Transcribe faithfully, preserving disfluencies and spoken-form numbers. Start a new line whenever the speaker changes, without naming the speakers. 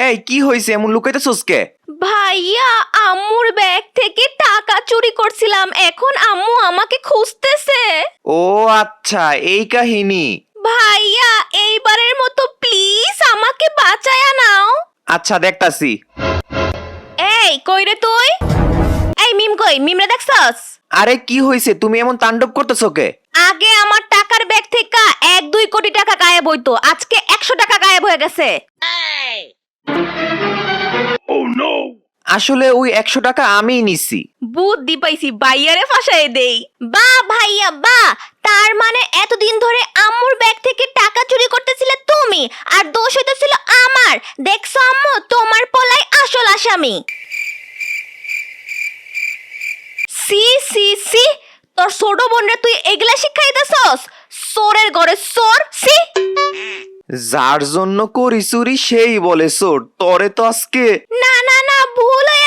এই কি হইছে, এমন লুকাইতেছস কে?
ভাইয়া আম্মুর ব্যাগ থেকে টাকা চুরি করছিলাম, এখন আম্মু আমাকে খুঁজতেছে।
ও আচ্ছা, এই কাহিনী।
ভাইয়া এইবারের মতো প্লিজ আমাকে বাঁচায়া নাও।
আচ্ছা দেখতাছি।
এই কই রে তুই? এই মিম কই? মিমরে দেখছস?
আরে কি হইছে, তুমি এমন তাণ্ডব করতেছো কে?
আগে আমার টাকার ব্যাগ থেকে এক দুই কোটি টাকা গায়েব হইতো, আজকে একশো টাকা গায়েব হয়ে গেছে।
আসলে ওই একশো টাকা আমিই নিছি।
বুদ্ধি পাইছি, বাইয়ারে ফাঁসাই দেই। বা ভাইয়া বা, তার মানে এতদিন ধরে আম্মুর ব্যাগ থেকে টাকা চুরি করতেছিলে তুমি, আর দোষ হইতেছিল আমার। দেখছো আম্মু, তোমার পলাই আসল আসামি। সি সি সি, তোর ছোট বোনরে তুই এগুলা শিখাইতেছস? চোরের ঘরে চোর, সি।
যার জন্য করি চুরি সেই বলে চোর, তরে তো আজকে।
না না না, ভুল হয়ে